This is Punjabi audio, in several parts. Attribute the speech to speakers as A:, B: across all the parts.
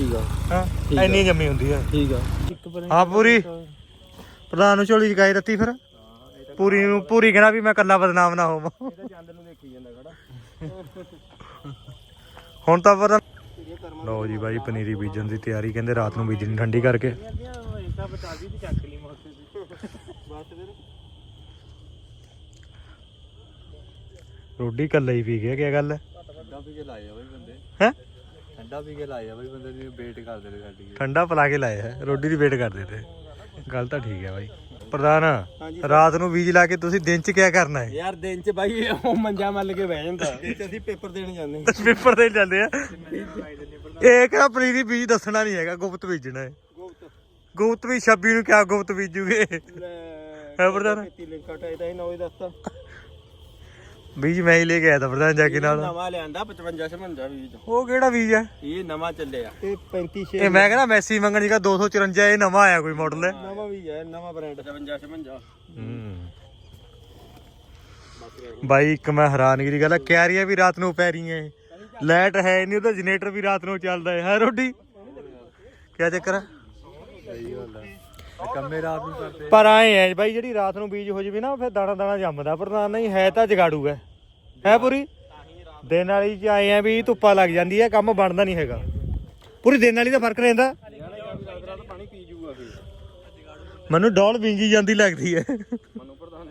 A: ਠੀਕ ਆ
B: ਹਾਂ ਇੰਨੀ ਜੰਮੀ ਹੁੰਦੀ ਹੈ
A: ਠੀਕ ਆ
B: ਹਾਂ ਪੂਰੀ ਪ੍ਰਧਾਨ ਨੂੰ ਝੋਲੀ ਚਕਾਈ ਦਿੱਤੀ ਫਿਰ ਪੂਰੀ ਨੂੰ ਪੂਰੀ ਕਹਿਣਾ ਵੀ ਮੈਂ ਕੱਲਾ ਬਦਨਾਮ ਨਾ ਹੋਵਾਂ
A: ਚੰਦ ਨੂੰ ਦੇਖੀ ਜਾਂਦਾ ਖੜਾ
B: ਹੁਣ ਤਾਂ ਪਤਾ ਲਓ ਜੀ ਬਾਈ ਪਨੀਰੀ ਬੀਜਣ ਦੀ ਤਿਆਰੀ ਕਹਿੰਦੇ ਰਾਤ ਨੂੰ ਬੀਜਣੀ ਠੰਡੀ ਕਰਕੇ ਰੋਟੀ ਕੱਲਾ ਹੀ ਪੀ ਗਿਆ ਕੀ ਗੱਲ ਹੈ
A: ਠੰਡਾ ਪੀ ਕੇ ਲਾਏ ਆ ਬਈ ਬੰਦੇ
B: ਹੈ
A: ਠੰਡਾ ਪੀ ਕੇ ਲਾਏ ਆ ਬਈ ਬੰਦੇ ਦੀ ਵੇਟ ਕਰਦੇ ਨੇ ਸਾਡੀ
B: ਠੰਡਾ ਪਿਲਾ ਕੇ ਲਾਇਆ ਹੈ ਰੋਟੀ ਦੀ ਵੇਟ ਕਰਦੇ ਤੇ ਗੱਲ ਤਾਂ ਠੀਕ ਹੈ ਬਾਈ ਪ੍ਰਧਾਨ ਰਾਤ ਨੂੰ ਬੀਜ ਲਾ ਕੇ ਤੁਸੀਂ ਦਿਨ ਚ ਕੀ ਕਰਨਾ ਹੈ
A: ਯਾਰ ਦਿਨ ਚ ਬਾਈ ਉਹ ਮੰਜਾ ਮੱਲ ਕੇ ਬਹਿ ਜਾਂਦਾ ਅਸੀਂ ਪੇਪਰ ਦੇਣ ਜਾਂਦੇ
B: ਪੇਪਰ ਦੇਣ ਜਾਂਦੇ ਆ ਇਹ ਕਿਹੜਾ ਪਨੀਰੀ ਬੀਜ ਦੱਸਣਾ ਨਹੀਂ ਹੈਗਾ ਗੁਪਤ ਬੀਜਣਾ ਹੈ ਗੁਪਤ ਵੀ 26 ਨੂੰ ਕਿਆ ਗੁਪਤ ਬੀਜੂਗੇ ਹੈ ਪ੍ਰਧਾਨ ਬੀਜ ਮੈਂ ਹੀ ਲੈ ਕੇ ਆਇਆ ਤਾਂ ਪ੍ਰਧਾਨ ਜਾ ਕੇ ਨਾਲ
A: ਨਵਾਂ ਲਿਆਂਦਾ 55 56 ਬੀਜ
B: ਉਹ ਕਿਹੜਾ ਬੀਜ ਹੈ
A: ਇਹ ਨਵਾਂ ਚੱਲਿਆ ਇਹ 35 6
B: ਇਹ ਮੈਂ ਕਹਿੰਦਾ ਮੈਸੀ ਮੰਗਣ ਜੀਗਾ 254 ਇਹ ਨਵਾਂ ਆਇਆ ਕੋਈ ਮਾਡਲ ਹੈ
A: ਨਵਾਂ ਬੀਜ ਹੈ ਨਵਾਂ ਬ੍ਰਾਂਡ 55 56
B: ਬਾਈ ਇੱਕ ਮੈਂ ਹੈਰਾਨਗੀ ਦੀ ਗੱਲ ਹੈ ਕਿਆਰੀਆਂ ਵੀ ਰਾਤ ਨੂੰ ਪੈ ਰਹੀਆਂ ਲਾਈਟ ਹੈ ਨਹੀਂ ਉਹਦਾ ਜਨਰੇਟਰ ਵੀ ਰਾਤ ਨੂੰ ਚੱਲਦਾ ਹੈ ਰੋਟੀ ਕਿਆ ਚੱਕਰ ਹੈ
A: ਸਹੀ ਗੱਲ ਹੈ ਕੰਮੇ ਰਾਤ ਨੂੰ ਕਰਦੇ
B: ਪਰ ਆਏ ਹੈ ਬਾਈ ਜਿਹੜੀ ਰਾਤ ਨੂੰ ਬੀਜ ਹੋ ਜਵੇ ਨਾ ਫਿਰ ਦਾਣਾ ਦਾਣਾ ਜੰਮਦਾ ਪ੍ਰਧਾਨ ਨਹੀਂ ਹੈ ਤਾਂ ਜਗਾੜੂ ਹੈ ਪੂਰੀ ਦਿਨ ਵਾਲੀ ਚ ਆਏ ਆ ਵੀ ਧੁੱਪਾ ਲੱਗ ਜਾਂਦੀ ਹੈ ਕੰਮ ਬਣਦਾ ਨਹੀਂ ਹੈਗਾ ਪੂਰੀ ਦਿਨ ਵਾਲੀ ਦਾ ਫਰਕ ਰਹਿੰਦਾ
A: ਪਾਣੀ ਪੀ ਜੂਗਾ ਫਿਰ
B: ਮੈਨੂੰ ਡੋਲ ਵਿੰਗੀ ਜਾਂਦੀ ਲੱਗਦੀ ਹੈ
A: ਮੈਨੂੰ ਪ੍ਰਧਾਨ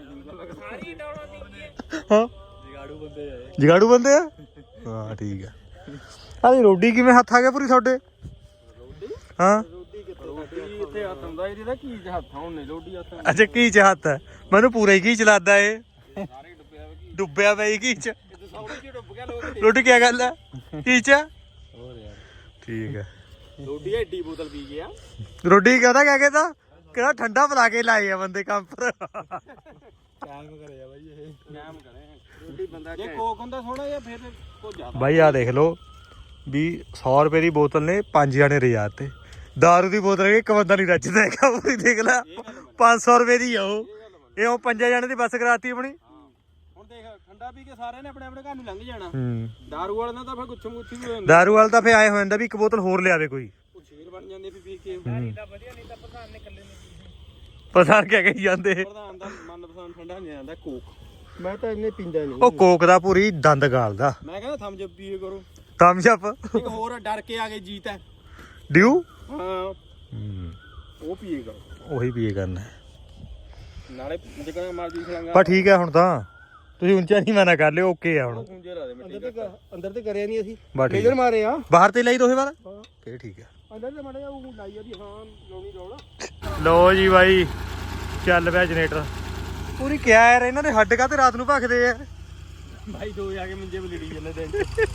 B: ਹਾਂ ਜਗਾੜੂ ਬੰਦੇ ਆ ਹਾਂ ਠੀਕ ਹੈ ਆਹ ਰੋਟੀ ਕਿਵੇਂ ਹੱਥ ਆ ਗਿਆ ਪੂਰੀ ਤੁਹਾਡੇ ਹਾਂ
A: ਇੱਥੇ ਹੱਥ ਹੁੰਦਾ ਇਹਦੀ ਦਾ ਕੀ ਹੱਥ ਹੁੰਨੇ ਲੋਡੀ ਹੱਥ
B: ਅੱਛਾ ਕੀ ਚ ਹੱਥ ਹੈ ਮੈਨੂੰ ਪੂਰਾ ਹੀ ਕੀ ਚਲਾਦਾ ਏ
A: ਸਾਰੇ
B: ਡੁੱਬਿਆ ਪਈ ਕੀ ਚ
A: ਸੌੜੀ ਡੁੱਬ ਗਿਆ ਲੋਕ
B: ਰੋਟੀ ਕੀ ਗੱਲ ਹੈ ਕੀ ਚ
A: ਹੋਰ ਯਾਰ
B: ਠੀਕ ਹੈ
A: ਲੋਡੀ ਐਡੀ ਬੋਤਲ ਪੀ ਗਿਆ
B: ਰੋਟੀ ਕਹਦਾ ਕਹਿ ਕੇ ਤਾਂ ਕਿਹੜਾ ਠੰਡਾ ਪਿਲਾ ਕੇ ਲਾਏ ਆ ਬੰਦੇ ਕੰਮ ਪਰ
A: ਕਾਇਮ ਕਰਿਆ ਬਾਈ ਇਹ ਕਾਇਮ ਕਰੇ ਰੋਟੀ ਬੰਦਾ ਜੇ ਕੋਕ ਹੁੰਦਾ ਸੋਹਣਾ ਜਾਂ ਫਿਰ ਕੋ ਜ਼ਿਆਦਾ
B: ਬਾਈ ਆ ਦੇਖ ਲਓ ਵੀ 100 ਰੁਪਏ ਦੀ ਬੋਤਲ ਨੇ 5 ਜਾਣੇ ਰਿਆਤ ਤੇ ਦਾਰੂ ਦੀ ਬੋਤਲ ਇੱਕ ਬੰਦਾ ਨਹੀਂ ਰੱਜਦਾ ਹੈਗਾ ਪੂਰੀ ਦੇਖ ਲੈ 500 ਰੁਪਏ ਦੀ ਆ ਉਹ ਇਹ ਉਹ 5 ਜਾਣੇ ਦੀ ਬੱਸ ਕਰਾਤੀ ਆਪਣੀ
A: ਹੁਣ ਦੇਖ ਠੰਡਾ ਪੀ ਕੇ ਸਾਰਿਆਂ ਨੇ ਆਪਣੇ ਆਪਣੇ ਘਰ ਨੂੰ ਲੰਘ ਜਾਣਾ ਦਾਰੂ ਵਾਲੇ ਨਾਲ ਤਾਂ ਫਿਰ ਗੁੱਛਮ ਗੁੱਛੀ ਵੀ ਹੋ ਜਾਂਦਾ
B: ਦਾਰੂ ਵਾਲਾ ਤਾਂ ਫੇ ਆਏ ਹੋ ਜਾਂਦਾ ਵੀ ਇੱਕ ਬੋਤਲ ਹੋਰ ਲਿਆਵੇ ਕੋਈ
A: ਉਹ ਸ਼ੇਰ ਬਣ ਜਾਂਦੇ ਵੀ ਪੀ ਕੇ ਨਹੀਂ ਤਾਂ ਵਧੀਆ ਨਹੀਂ ਤਾਂ ਪ੍ਰਧਾਨ ਨੇ ਇਕੱਲੇ ਨੇ
B: ਪਤਾ ਕਿਆ ਕਹੀ ਜਾਂਦੇ
A: ਪ੍ਰਧਾਨ ਦਾ ਮਨਪਸੰਦ ਠੰਡਾ ਨਹੀਂ ਜਾਂਦਾ ਕੋਕ ਮੈਂ ਤਾਂ ਇੰਨੇ ਪੀਂਦਾ ਨਹੀਂ
B: ਉਹ ਕੋਕ ਦਾ ਪੂਰੀ ਦੰਦ ਗਾਲਦਾ
A: ਮੈਂ ਕਹਿੰਦਾ ਥੰਮ ਜੱਪ ਪੀਏ ਕਰੋ
B: ਥਮਸ ਅਪ
A: ਇੱਕ ਹੋਰ ਡਰ ਕੇ ਆ ਗਏ ਜੀਤ ਹੈ
B: ਡਿਊ
A: ਹਾਂ ਉਹ ਪੀਏ ਕਰੋ
B: ਉਹੀ ਪੀਏ ਕਰਨਾ
A: ਨਾਲੇ ਜਿਕਣਾ ਮਰਜੀ ਖਲਾਂਗਾ
B: ਪਰ ਠੀਕ ਹੈ ਹੁਣ ਤਾਂ ਤੁਸੀਂ ਉੱਚਾ ਨਹੀਂ ਮਨਾ ਕਰ ਲਿਓ ਓਕੇ ਆ ਹੁਣ
A: ਅੰਦਰ ਤੇ ਕਰਿਆ ਨਹੀਂ ਅਸੀਂ
B: ਬਸ ਠੀਕ
A: ਨਜ਼ਰ ਮਾਰੇ ਆ
B: ਬਾਹਰ ਤੇ ਲਈ ਦੋਹੇ ਵਾਰ ਫੇਰ ਠੀਕ ਹੈ
A: ਅੰਦਰ ਤੇ ਮੜਿਆ ਉਹ ਲਾਈ ਆ ਦੀ ਹਾਂ ਲਾਉਣੀ ਲਾਉਣਾ
B: ਲੋ ਜੀ ਬਾਈ ਚੱਲ ਪਿਆ ਜਨਰੇਟਰ ਪੂਰੀ ਕਿਆ ਯਾਰ ਇਹਨਾਂ ਦੇ ਹੱਡ ਕਾ ਤੇ ਰਾਤ ਨੂੰ ਭਖਦੇ ਆ
A: ਭਾਈ ਦੋ ਜਾ ਕੇ ਮੰਜੇ 'ਤੇ ਲੜੀ ਜਾਂਦੇ ਦਿਨ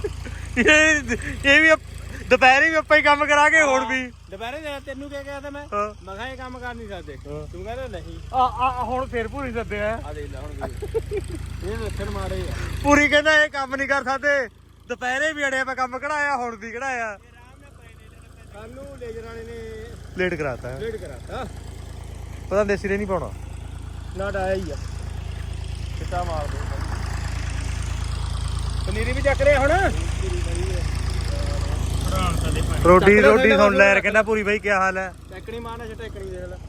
B: ਇਹ ਵੀ ਦੁਪਹਿਰੇ ਵੀ ਆਪਾਂ ਹੀ ਕੰਮ ਕਰਾ ਕੇ ਹੁਣ ਵੀ
A: ਦੁਪਹਿਰੇ ਤੈਨੂੰ ਕਿਹਾ ਗਿਆ ਤਾਂ ਮੈਂ ਕਿਹਾ ਇਹ ਕੰਮ ਕਰ ਨਹੀਂ ਸਕਦੇ ਤੂੰ ਕਹਿੰਦਾ ਨਹੀਂ
B: ਆ ਹੁਣ ਫੇਰ ਪੂਰੀ ਸੱਦੇ ਆ
A: ਦੇਖ ਲੈ ਹੁਣ ਇਹ ਲੱਛਣ ਮਾਰੇ ਆ
B: ਪੂਰੀ ਕਹਿੰਦਾ ਇਹ ਕੰਮ ਨਹੀਂ ਕਰ ਸਕਦੇ ਦੁਪਹਿਰੇ ਵੀ ਅੜਿਆ ਮੈਂ ਕੰਮ ਕਢਾਇਆ ਹੁਣ ਵੀ ਕਢਾਇਆ
A: ਕੱਲ ਨੂੰ ਲੇਜਰ ਵਾਲੇ ਨੇ
B: ਲੇਟ ਕਰਾਤਾ ਪਤਾ ਦੇਸੀ ਰੇ ਨਹੀਂ ਪਾਉਣਾ
A: ਨਾ ਡਾਇਆ ਹੀ ਆ ਕਿੱਟਾ ਮਾਰ ਦੇ ਪਨੀਰੀ ਵੀ ਚੱਕ ਰਿਹਾ ਹੁਣ
B: ਰੋਟੀ ਸੁਣ ਲੈ ਕਹਿੰਦਾ ਪੂਰੀ ਬਾਈ ਕੀ ਹਾਲ ਹੈ
A: ਟੈਕਣੀ ਮਾਰਨਾ ਛੇ ਟੈਕਣੀ ਦੇਖ ਲੈ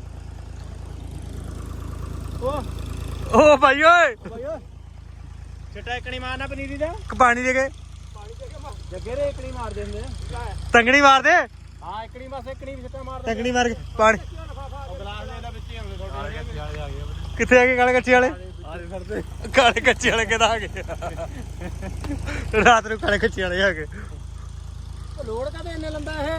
B: ਓ ਭਾਈ ਓਏ
A: ਛੇ ਟੈਕਣੀ ਮਾਰਨਾ ਪਨੀਰੀ ਦਾ
B: ਪਾਣੀ ਦੇ ਕੇ
A: ਜੱਗੇ ਰੇ ਇਕਣੀ ਮਾਰ ਦਿੰਦੇ
B: ਤੰਗਣੀ ਮਾਰ ਦੇ
A: ਹਾਂ ਇਕਣੀ ਬਸ ਇਕਣੀ ਛੱਟਾ ਮਾਰ
B: ਤੰਗਣੀ ਮਾਰ ਕੇ ਪਾਣੀ
A: ਗਲਾਸ ਦੇ ਵਿੱਚ ਹੀ ਹੁੰਦੇ ਤੁਹਾਡੇ
B: ਕਿੱਥੇ ਆ ਗਏ ਕਾਲੇ ਕੱਚੇ ਵਾਲੇ
A: ਆਰੇ ਫਿਰਦੇ
B: ਕਾਲੇ ਕੱਚੇ ਵਾਲੇ ਕਿਹਦਾ ਆ ਗਏ ਰਾਤ ਨੂੰ ਕਾਲੇ ਕੱਚੇ ਵਾਲੇ ਆ ਗਏ
A: ਲੋੜ ਕਾਦੇ ਇੰਨੇ ਲੰਬਾ ਇਹ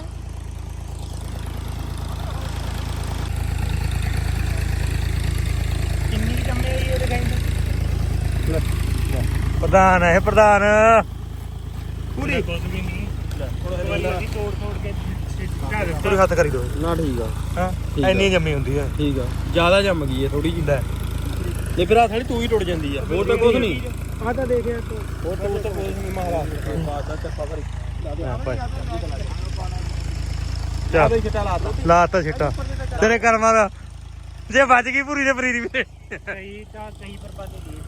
A: ਕਿੰਨੀ ਜੰਮੇ ਇਹ ਦਿਖਾਈ
B: ਪ੍ਰਧਾਨ ਹੈ ਪ੍ਰਧਾਨ
A: ਪੂਰੀ ਕੁਝ ਵੀ ਨਹੀਂ ਤੋੜ ਕੇ
B: ਪੂਰੀ ਹੱਥ ਕਰੀ ਦੋ
A: ਨਾ ਠੀਕ ਆ
B: ਹਾਂ ਇੰਨੀ ਜੰਮੀ ਹੁੰਦੀ ਹੈ
A: ਠੀਕ ਆ ਜ਼ਿਆਦਾ ਜੰਮ ਗਈ ਹੈ ਥੋੜੀ ਜਿਹੀ ਲੈ ਫਿਰ ਆ ਥੜੀ ਤੂੰ ਹੀ ਟੁੱਟ ਜਾਂਦੀ ਆ ਹੋਰ ਤਾਂ ਕੁਝ ਨਹੀਂ ਆ ਤਾਂ ਦੇਖਿਆ ਤੂੰ ਹੋਰ ਤਾਂ ਕੁਝ ਨਹੀਂ ਮਾਰਾ ਬਾਦ ਦਾ ਚੱਪਾ ਭਰੀ
B: ਲਾਤਾ ਛਿੱਟਾ ਤੇਰੇ ਕਰਮਾਂ ਦਾ ਜੇ ਵੱਜ ਗਈ ਪੂਰੀ ਤੇ ਪਨੀਰੀ ਵੀ
A: ਸਹੀ ਤਾਂ ਸਹੀ ਬਰਬਾਦੀ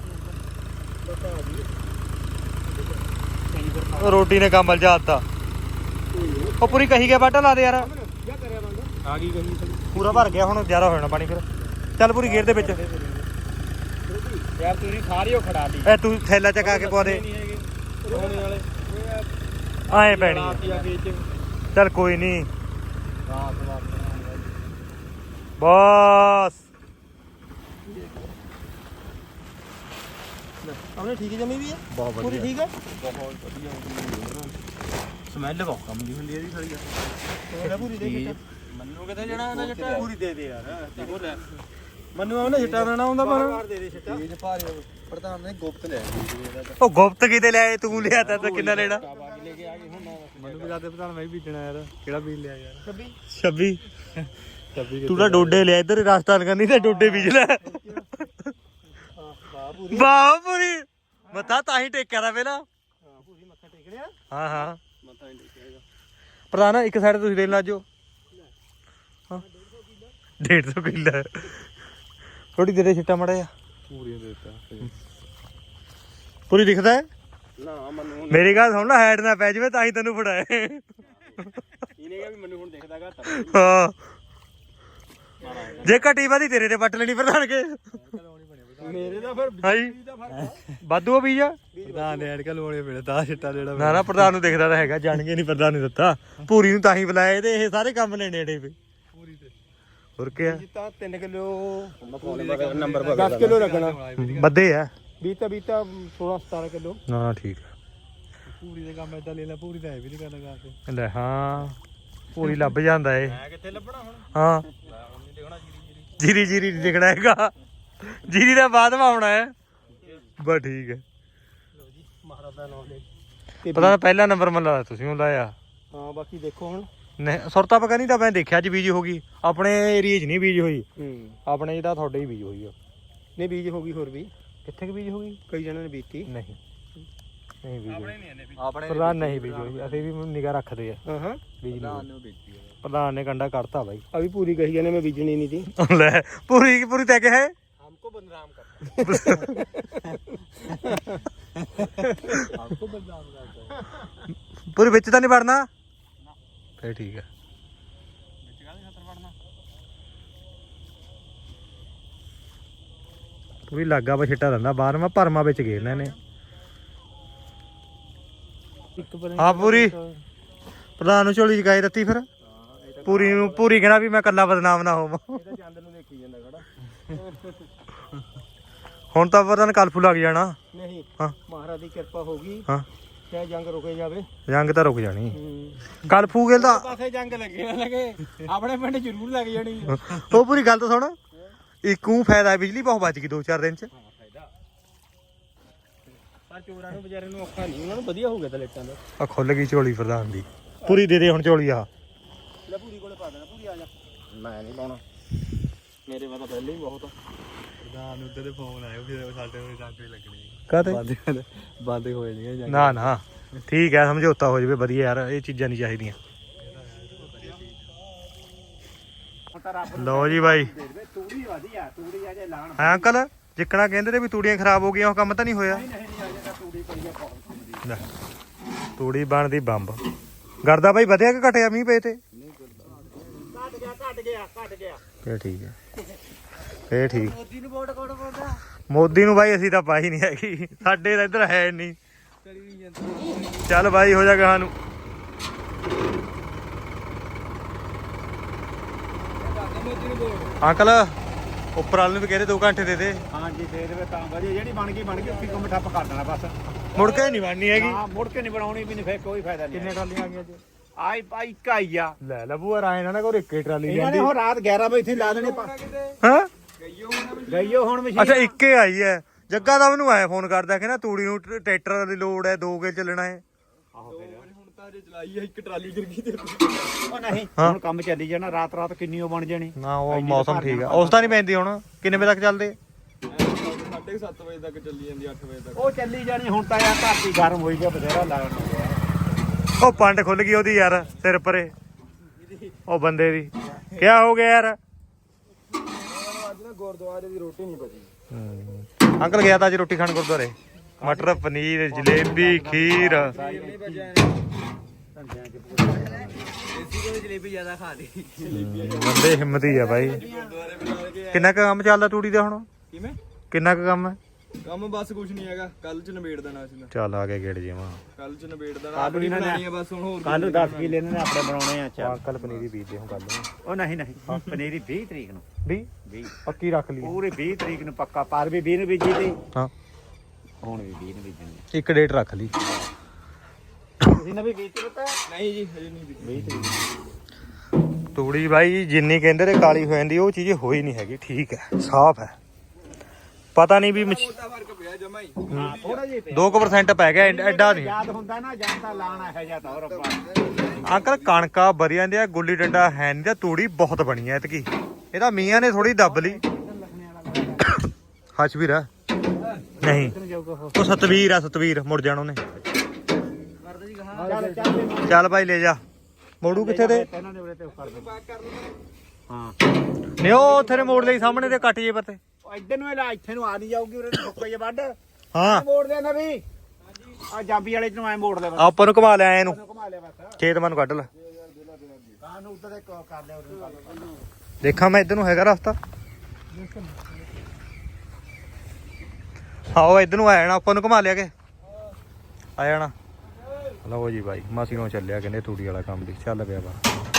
B: ਰੋਟੀ ਨੇ ਕੰਮ ਲਜਾਤਾ ਉਹ ਪੂਰੀ ਕਹੀ ਗਿਆ ਬਾਟਾ ਲਾ ਦੇ ਯਾਰ
A: ਆ ਗਈ ਕਹੀ
B: ਪੂਰਾ ਭਰ ਗਿਆ ਹੁਣ ਜ਼ਿਆਦਾ ਹੋ ਜਾਣਾ ਪਾਣੀ ਫਿਰ ਚੱਲ ਪੂਰੀ ਗੇਰ ਦੇ ਵਿੱਚ
A: ਯਾਰ ਤੁਸੀਂ ਸਾਰੀ ਉਹ ਖੜਾ ਲਈ
B: ਐ ਤੂੰ ਥੈਲਾ ਚਕਾ ਕੇ ਪਾ ਦੇ
A: ਨਹੀਂ ਹੈਗੇ ਰੋਣੇ ਵਾਲੇ
B: ਆਏ ਪੈਣੀ
A: ਰਾਤ ਆ ਕੇ ਚ
B: ਚੱਲ ਕੋਈ ਨਹੀਂ
A: ਰਾਤ
B: ਬਸ
A: ਆਪਣੇ ਠੀਕ ਜਮੀ ਵੀ ਹੈ
B: ਬਹੁਤ
A: ਪੂਰੀ ਠੀਕ ਹੈ ਬਹੁਤ ਵਧੀਆ ਸਮੈਲ ਬਹੁਤ ਕੰਮ ਦੀ ਹੁੰਦੀ ਇਹਦੀ ਸਾਰੀ ਯਾਰ ਪੂਰੀ ਦੇ ਮੰਨੂ ਕਿੱਥੇ ਜਾਣਾ ਇਹਨਾਂ ਜੱਟਾ ਪੂਰੀ ਦੇ ਦੇ ਯਾਰ ਮੰਨੂ ਉਹਨੇ ਛਿੱਟਾ ਦੇਣਾ ਹੁੰਦਾ ਪਰ ਦੇ ਦੇ ਛਿੱਟਾ ਇਹ ਭਾਰੀ ਪ੍ਰਧਾਨ ਨੇ ਗੁਪਤ ਲਿਆ
B: ਉਹ ਗੁਪਤ ਕਿਤੇ ਲਿਆਏ ਤੂੰ ਲਿਆ ਤਾਂ ਕਿੰਨਾ ਲੈਣਾ
A: ਲੈ ਕੇ ਆ ਗਏ ਹੁਣ
B: ਮੈਨੂੰ ਵੀ ਦੱਸਦੇ ਪ੍ਰਧਾਨ ਮੈਂ ਵੀ ਬੀਜਣਾ ਯਾਰ ਕਿਹੜਾ ਬੀਜ ਲਿਆ ਯਾਰ
A: 26
B: ਤੂੰ ਤਾਂ ਡੋਡੇ ਲਿਆ ਇੱਧਰ ਰਾਜਸਥਾਨ ਕਰਨੀ ਤੇ ਡੋਡੇ ਬੀਜ ਲੈ ਵਾਹ ਪੂਰੀ ਮੱਥਾ ਤਾਂ ਹੀ ਟੇਕਿਆ ਦਾ ਪਹਿਲਾਂ
A: ਪੂਰੀ ਮੱਥਾ ਟੇਕ ਲਿਆ
B: ਹਾਂ ਹਾਂ
A: ਮੱਥਾ ਨਹੀਂ ਟੇਕਿਆ
B: ਪ੍ਰਧਾਨ ਇੱਕ ਸਾਈਡ ਤੁਸੀਂ ਦੇਣ ਲੱਜੋ ਹਾਂ 150 ਕਿੱਲਾ ਥੋੜੀ ਦੇਰੇ ਛਿੱਟਾ ਮੜਿਆ
A: ਪੂਰੀਆਂ ਦੇਤਾ
B: ਪੂਰੀ ਦਿਖਦਾ ਹੈ
A: ਨਾ ਮੰਨੂ
B: ਮੇਰੀ ਗੱਲ ਸੁਣ ਲੈ ਹੈਡ ਨਾ ਪੈ ਜਾਵੇ ਤਾਂ ਹੀ ਤੈਨੂੰ ਫੜਾਏ
A: ਇਹਨੇ ਕਿਹਾ ਵੀ ਮੈਨੂੰ ਹੁਣ ਦਿਖਦਾ ਘੱਟ
B: ਹਾਂ ਜੇ ਘਟੀ ਵਾਦੀ ਤੇਰੇ ਤੇ ਵੱਟ ਲੈਣੀ ਪ੍ਰਧਾਨ ਕੇ
A: ਮੇਰੇ ਦਾ ਫਿਰ
B: ਹਾਈ ਵਾਧੂ ਆ ਬੀਜ
A: ਪ੍ਰਧਾਨ ਨੇ ਐਨਕਾਂ ਲਵਾਉਣੇ ਪੈਣੇ ਤਾਂ ਛਿੱਟਾ ਜਿਹੜਾ
B: ਨਾ ਨਾ ਪ੍ਰਧਾਨ ਨੂੰ ਦਿਖਦਾ ਤਾਂ ਹੈਗਾ ਜਾਣਗੇ ਨਹੀਂ ਪ੍ਰਧਾਨ ਨੇ ਦਿੱਤਾ ਪੂਰੀ ਨੂੰ ਤਾਂ ਹੀ ਬੁਲਾਏ ਤੇ ਇਹ ਸਾਰੇ ਕੰਮ ਲੈਣੇ ਏਡੇ ਪੇ
A: ਪੂਰੀ ਤੇ
B: ਹੋਰ ਕੀ ਆ
A: ਜਿੱਤਾ 3 ਕਿਲੋ ਨੰਬਰ 10 ਕਿਲੋ ਲੱਗਣਾ
B: ਵੱਧੇ ਆ
A: ਬੀਤਾ 16 17 ਕਿਲੋ
B: ਨਾ ਠੀਕ ਆ
A: ਪੂਰੀ ਦੇ ਕੰਮ ਏਦਾਂ ਲੈ ਲੈ ਪੂਰੀ ਤਾਂ ਹੈ ਵੀ ਨਹੀਂ ਕਰਨਾ ਗਾ ਕੇ
B: ਲੈ ਹਾਂ ਪੂਰੀ ਲੱਭ ਜਾਂਦਾ ਏ
A: ਮੈਂ ਕਿੱਥੇ ਲੱਭਣਾ ਹੁਣ
B: ਹਾਂ
A: ਦੇਖਣਾ
B: ਜੀਰੀ ਜੀਰੀ ਨਹੀਂ ਦਿਖਣਾ ਹੈਗਾ ਜੀਰੀ ਦਾ ਬਾਅਦ ਮਾ ਆਉਣਾ ਹੈ ਬਸ ਠੀਕ ਹੈ
A: ਲੋ ਜੀ ਮਹਾਰਾਜ ਦਾ ਨਾਮ ਲੈ
B: ਪਤਾ ਤਾਂ ਪਹਿਲਾ ਨੰਬਰ ਮਨ ਲਾਇਆ ਤੁਸੀਂ ਉਹ ਲਾਇਆ
A: ਹਾਂ ਬਾਕੀ ਦੇਖੋ ਹੁਣ
B: ਨਹੀਂ ਸੁਰਤਾ ਪਕਾ ਨਹੀਂ ਤਾਂ ਮੈਂ ਦੇਖਿਆ ਅੱਜ ਬੀਜ ਹੋ ਗਈ ਆਪਣੇ ਏਰੀਏ 'ਚ ਨਹੀਂ ਬੀਜ ਹੋਈ
A: ਹੂੰ
B: ਆਪਣੇ ਜਿਹੜਾ ਤੁਹਾਡੇ ਹੀ ਬੀਜ ਹੋਈ ਆ
A: ਨਹੀਂ ਬੀਜ ਹੋ ਗਈ ਹੋਰ ਵੀ
B: ਕਿੱਥੇ ਕਿ ਬੀਜ ਹੋ ਗਈ
A: ਕਈ ਜਣਾਂ ਨੇ ਬੀਤੀ
B: ਨਹੀਂ ਨਹੀਂ ਬੀਜ ਹੋਈ
A: ਆਪਣੇ
B: ਪ੍ਰਧਾਨ ਨਹੀਂ ਬੀਜ ਹੋਈ ਅਸੀਂ ਵੀ ਨਿਗਾਹ ਰੱਖਦੇ ਆ
A: ਹਾਂ ਹਾਂ
B: ਬੀਜ ਨਹੀਂ ਪ੍ਰਧਾਨ ਨੇ ਕੰਡਾ ਕੱਢਤਾ ਬਾਈ
A: ਅਭੀ ਪੂਰੀ ਕਹੀ ਜਾਨੇ ਮੈਂ ਬੀਜਣੀ ਨਹੀਂ थी
B: ਲੈ ਪੂਰੀ ਪੂਰੀ ਤੈ ਕੇ ਹੈ
A: हमको बदनाम करता हमको बदनाम करता
B: ਪੂਰੀ ਵਿੱਚ ਤਾਂ ਨਹੀਂ ਵੜਨਾ ਫੇਰ ਠੀਕ ਹੈ
A: ਵਿੱਚ ਕਾਹਦੇ ਖਤਰ ਵੜਨਾ
B: ਪੂਰੀ ਲਾਗਾ ਵਾ ਛਿੱਟਾ ਦਿੰਦਾ ਬਾਹਰ ਮੈਂ ਭਰਮਾ ਵਿੱਚ ਗੇਰਨਾ ਇਹਨੇ ਹਾਂ ਪੂਰੀ ਪ੍ਰਧਾਨ ਨੂੰ ਝੋਲੀ ਚਕਾਈ ਦਿੱਤੀ ਫਿਰ ਪੂਰੀ ਨੂੰ ਪੂਰੀ ਕਹਿਣਾ ਵੀ ਮੈਂ ਕੱਲਾ ਬਦਨਾਮ ਨਾ ਹੋਵਾਂ
A: ਇਹ ਤਾਂ ਚੰਦ ਨੂੰ ਦੇਖੀ ਜਾਂਦਾ ਖੜਾ
B: ਹੁਣ ਤਾਂ ਪ੍ਰਧਾਨ ਕਲਫੂ ਲੱਗ ਜਾਣਾ
A: ਨਹੀਂ
B: ਹਾਂ
A: ਮਹਾਰਾਜ ਦੀ ਕਿਰਪਾ ਹੋਗੀ
B: ਹਾਂ
A: ਚਾਹੇ ਜੰਗ ਰੁਕੇ ਜਾਵੇ
B: ਜੰਗ ਤਾਂ ਰੁਕ ਜਾਣੀ ਕਲਫੂ ਗਿਲ ਤਾਂ
A: ਪਾਸੇ ਜੰਗ ਲੱਗੇ ਨਾ ਲੱਗੇ ਆਪਣੇ ਪਿੰਡ ਜ਼ਰੂਰ ਲੱਗ ਜਾਣੀ
B: ਉਹ ਪੂਰੀ ਗੱਲ ਤਾਂ ਸੁਣ ਇੱਕੂ ਫਾਇਦਾ ਬਿਜਲੀ ਬਹੁਤ ਬਚ ਗਈ 2-4 ਦਿਨ ਚ
A: ਫਾਇਦਾ ਪਰ ਚੋਰਾਂ ਨੂੰ ਵਿਚਾਰੇ ਨੂੰ ਔਖਾ ਨਹੀਂ ਉਹਨਾਂ ਨੂੰ ਵਧੀਆ ਹੋ ਗਿਆ ਤਾਂ ਲੇਟਾਂ ਦਾ
B: ਆ ਖੁੱਲ ਗਈ ਝੋਲੀ ਪ੍ਰਧਾਨ ਦੀ ਪੂਰੀ ਦੇ ਦੇ ਹੁਣ ਝੋਲੀ ਆ
A: ਲੈ ਪੂਰੀ ਕੋਲੇ ਪਾ ਦੇਣਾ ਪੂਰੀ ਆ ਜਾ ਮੈਂ ਨਹੀਂ ਪਾਉਣਾ ਮੇਰੇ ਵਾਲਾ ਪਹਿਲੇ ਹੀ ਬਹੁਤ ਪ੍ਰਧਾਨ ਉੱਧਰ ਦੇ ਫੋਨ ਆਏ ਫਿਰ ਸਾਡੇ ਨੂੰ ਜੰਗ ਵੀ ਲੱਗਣੀ
B: ਕਾਹਤੇ
A: ਬੰਦ ਹੋ ਜਾਣੀਆਂ
B: ਨਾ ਨਾ ਠੀਕ ਹੈ ਸਮਝੌਤਾ ਹੋ ਜਾਵੇ ਵਧੀਆ ਯਾਰ ਇਹ ਚੀਜ਼ਾਂ ਨਹੀਂ ਚਾਹੀਦੀਆਂ ਲਓ ਜੀ ਬਾਈ
A: ਤੂੜੀ ਵਧੀਆ ਤੂੜੀ ਆ ਜੇ ਲਾਣ
B: ਹਾਂ ਅੰਕਲ ਜਿੱਕਣਾ ਕਹਿੰਦੇ ਤੇ ਵੀ ਤੂੜੀਆਂ ਖਰਾਬ ਹੋ ਗਈਆਂ ਉਹ ਕੰਮ ਤਾਂ ਨਹੀਂ ਹੋਇਆ
A: ਤੂੜੀ ਪਈ ਆ
B: ਲੈ ਤੂੜੀ ਬਣਦੀ ਬੰਬ ਗਰਦਾ ਬਾਈ ਵਧਿਆ ਕਿ ਘਟਿਆ ਮੀਂਹ ਪਏ ਤੇ
A: ਘਟ ਗਿਆ
B: ਫੇਰ ਠੀਕ ਹੈ ਫੇਰ ਠੀਕ
A: ਮੋਦੀ ਨੂੰ ਵੋਟ ਕੋਣ ਪਾਉਂਦਾ
B: ਮੋਦੀ ਨੂੰ ਬਾਈ ਅਸੀਂ ਤਾਂ ਪਾਈ ਨਹੀਂ ਹੈਗੀ ਸਾਡੇ ਤਾਂ ਇੱਧਰ ਹੈ ਨਹੀਂ
A: ਕਰੀ ਨਹੀਂ ਜਾਂਦਾ
B: ਚੱਲ ਬਾਈ ਹੋ ਜਾ ਗਾਹਾਂ ਨੂੰ
A: ਮੋਦੀ ਨੂੰ ਵੋਟ
B: ਅੰਕਲ ਉੱਪਰ ਵਾਲੇ ਨੂੰ ਵੀ ਕਹਿੰਦੇ 2 ਘੰਟੇ ਦੇ ਦੇ
A: ਹਾਂਜੀ ਦੇ ਦੇਵੇ ਤਾਂ ਵਧੀਆ ਜਿਹੜੀ ਬਣ ਗਈ ਉੱਥੇ ਕੰਮ ਠੱਪ ਕਰ ਦੇਣਾ ਬਸ
B: ਮੁੜ ਕੇ ਨਹੀਂ ਬਣਨੀ ਹੈਗੀ
A: ਹਾਂ ਮੁੜ ਕੇ ਨਹੀਂ ਬਣਾਉਣੀ ਵੀ ਨਹੀਂ ਫੇਰ ਕੋਈ ਫਾਇਦਾ ਨਹੀਂ
B: ਕਿੰਨੇ ਟਰਾਲੀਆਂ ਆ ਗਈਆਂ ਅੱਜ
A: ਆਈ ਪਾਈ ਕਾਈ ਆ
B: ਲੈ ਲੱਭੂ ਰਾਏ ਨਾ ਕੋਈ ਇੱਕੇ ਟਰਾਲੀ
A: ਇਹਨਾਂ ਨੇ
B: ਜਾਂਦੀ
A: ਉਹ ਰਾਤ 11 ਵਜੇ ਇੱਥੇ ਲਾ ਦੇਣੇ
B: ਹਾਂ
A: ਗਈਓ ਹੁਣ ਮਸ਼ੀਨ
B: ਅੱਛਾ ਇੱਕੇ ਆਈ ਹੈ ਜੱਗਾ ਦਾ ਮੈਨੂੰ ਆਇਆ ਫੋਨ ਕਰਦਾ ਕਹਿੰਦਾ ਤੂੜੀ ਨੂੰ ਟਰੈਕਟਰ ਦੀ ਲੋੜ ਹੈ 2 ਕੇ ਚੱਲਣਾ ਹੈ
A: ਹੁਣ ਤਾਂ ਜੇ ਚਲਾਈ ਆ ਇੱਕ ਟਰਾਲੀ ਗਿਰ ਗਈ ਤੇ ਉਹ ਨਹੀਂ ਹੁਣ ਕੰਮ ਚੱਲੀ ਜਾਣਾ ਰਾਤ ਕਿੰਨੀ ਉਹ ਬਣ ਜਾਣੀ
B: ਨਾ ਉਹ ਮੌਸਮ ਠੀਕ ਆ ਉਸ ਤਾਂ ਨਹੀਂ ਪੈਂਦੀ ਹੁਣ ਕਿੰਨੇ ਵਜੇ ਤੱਕ ਚੱਲਦੇ
A: 7:30 ਵਜੇ ਤੱਕ ਚੱਲੀ ਜਾਂਦੀ 8 ਵਜੇ ਤੱਕ ਉਹ ਚੱਲੀ ਜਾਣੀ ਹੁਣ ਤਾਂ ਯਾਰ ਧਰਤੀ ਗਰਮ ਹੋਈ ਗਿਆ ਬਥੇਰਾ ਲਾਣ ਹੋ ਗਿਆ
B: ਉਹ ਪੰਡ ਖੁੱਲ ਗਈ ਉਹਦੀ ਯਾਰ ਸਿਰ ਪਰੇ ਉਹ ਬੰਦੇ ਦੀ ਕਿਆ ਹੋ ਗਿਆ ਯਾਰ
A: ਅੱਜ ਨਾ ਗੁਰਦੁਆਰੇ ਦੀ ਰੋਟੀ ਨਹੀਂ ਬਚੀ
B: ਅੰਕਲ ਗਿਆ ਤਾਂ ਅੱਜ ਰੋਟੀ ਖਾਣ ਗੁਰਦੁਆਰੇ ਮਟਰ ਪਨੀਰ ਜਲੇਬੀ ਖੀਰ
A: ਦੇਸੀ ਕੋਈ ਜਲੇਬੀ ਜ਼ਿਆਦਾ ਖਾ ਲਈ
B: ਬੰਦੇ ਹਿੰਮਤੀ ਆ ਬਾਈ।
A: ਗੁਰਦੁਆਰੇ ਬੁਲਾ ਕੇ
B: ਕਿੰਨਾ ਕੁ ਕੰਮ ਚੱਲਦਾ ਤੂੜੀ ਦਾ ਹੁਣ?
A: ਕਿਵੇਂ
B: ਕਿੰਨਾ ਕੁ ਕੰਮ ਹੈ?
A: ਕੰਮ ਬਸ ਕੁਝ ਨਹੀਂ ਹੈਗਾ, ਕੱਲ ਚ ਨਿਬੇੜ ਦੇਣਾ ਸੀ।
B: ਚੱਲ ਆ ਕੇ ਗੇੜ ਜਿਵਾ
A: ਕੱਲ ਚ ਨਿਬੇੜ ਦੇਣਾ, ਆਪਣੀ ਬਣਾਣੀ ਆ ਬਸ ਹੁਣ। ਹੋਰ
C: ਕੱਲ 10 ਕਿਲੇ ਇਹਨਾਂ ਨੇ ਆਪਣੇ ਬਣਾਉਣੇ ਆ। ਚੱਲ
B: ਕੱਲ ਪਨੀਰੀ ਬੀਜਦੇ ਹਾਂ ਕੱਲ ਨੂੰ।
C: ਉਹ ਨਹੀਂ ਪਨੀਰੀ 20 ਤਰੀਕ ਨੂੰ
B: 20 ਪੱਕੀ ਰੱਖ ਲਈ
C: ਪੂਰੀ 20 ਤਰੀਕ ਨੂੰ ਪੱਕਾ। ਪਰ ਵੀ 20 ਨੂੰ ਬੀਜੀ ਤੇ
B: ਹਾਂ,
C: ਹੁਣ ਵੀ 20 ਨੂੰ ਬੀਜਣੀ।
B: ਇੱਕ ਡੇਟ ਰੱਖ ਲਈ।
C: ਤੁਸੀਂ ਨੇ ਵੀ ਬੀਜੀ ਪਤਾ?
A: ਨਹੀਂ ਜੀ ਹਜੇ ਨਹੀਂ
C: 20 ਤਰੀਕ
B: ਤੂੜੀ ਬਾਈ ਜਿੰਨੀ ਕਹਿੰਦੇ ਤੇ ਕਾਲੀ ਹੋ ਜਾਂਦੀ, ਉਹ ਚੀਜ਼ ਹੋਈ ਨਹੀਂ ਹੈਗੀ। ਠੀਕ ਹੈ, ਸਾਫ਼ ਹੈ। ਪਤਾ ਨਹੀਂ ਵੀ
A: ਮੋਟਾ ਫਰਕ ਪਿਆ ਜਮਾ ਹੀ।
C: ਹਾਂ ਥੋੜਾ ਜਿਹਾ
B: 2% ਪੈ ਗਿਆ, ਐਡਾ ਨਹੀਂ।
C: ਯਾਦ ਹੁੰਦਾ ਨਾ ਜਾਂ ਤਾਂ ਲਾਣਾ ਹੈ ਜਾਂ ਤਾਂ ਹੋਰ ਆਪਾਂ।
B: ਅੰਕਲ ਕਣਕਾਂ ਬਰੀ ਜਾਂਦੇ ਆ, ਗੁੱਲੀ ਡੰਡਾ ਹੈ ਨਹੀਂ, ਤੇ ਤੂੜੀ ਬਹੁਤ ਬਣੀ ਐ ਇਤਕੀ। ਇਹਦਾ ਮੀਆਂ ਨੇ ਥੋੜੀ ਦੱਬ ਲਈ। ਹੱਚ ਵੀਰ ਨਹੀਂ, ਉਹ ਸਤਵੀਰ ਮੁੜ ਜਾਣ ਉਹਨੇ। ਚੱਲ ਭਾਈ ਲੈ ਜਾ। ਮੋੜੂ ਕਿੱਥੇ ਤੇ?
C: ਇਹਨਾਂ ਦੇ ਉਰੇ ਤੇ ਕਰ ਦੋ। ਹਾਂ
B: ਨਹੀਂ ਉਹ ਉੱਥੇ ਨੇ ਮੋੜ ਲਈ ਸਾਹਮਣੇ ਤੇ ਕੱਟ ਜੇ ਪੱਤੇ।
C: ਉਹ ਇੱਧਰ ਨੂੰ ਇਹ ਇੱਥੇ ਨੂੰ ਆ ਨਹੀਂ ਜਾਊਗੀ, ਉਰੇ ਨੂੰ ਫੁੱਕ ਜੇ ਵੱਢ।
B: ਹਾਂ
C: ਮੋੜ ਦੇ ਨਾ ਵੀ ਆ ਜਾਬੀ ਵਾਲੇ ਨੂੰ ਐ ਮੋੜ ਲੈ ਬਸ।
B: ਆਪਾਂ ਨੂੰ ਘੁਮਾ ਲਿਆ ਇਹਨੂੰ,
C: ਘੁਮਾ ਲਿਆ ਬਸ।
B: ਖੇਤ ਮਨ ਕੱਢ ਲੈ।
C: ਕਾਂ ਨੂੰ ਉੱਧਰ ਕਰ ਲਿਆ ਉਰੇ।
B: ਦੇਖਾਂ ਮੈਂ ਇੱਧਰ ਨੂੰ ਹੈਗਾ ਰਸਤਾ। ਹਾਂ ਉਹ ਇੱਧਰ ਨੂੰ ਆ ਜਾਣਾ, ਆਪਾਂ ਨੂੰ ਘੁਮਾ ਲਿਆ ਕੇ ਆ ਜਾਣਾ। ਲਓ ਜੀ ਬਾਈ, ਮਾਸੀ ਨੂੰ ਚੱਲਿਆ ਕਹਿੰਦੇ ਤੂੜੀ ਵਾਲਾ ਕੰਮ ਦੀ। ਚੱਲ ਪਿਆ ਬਾ।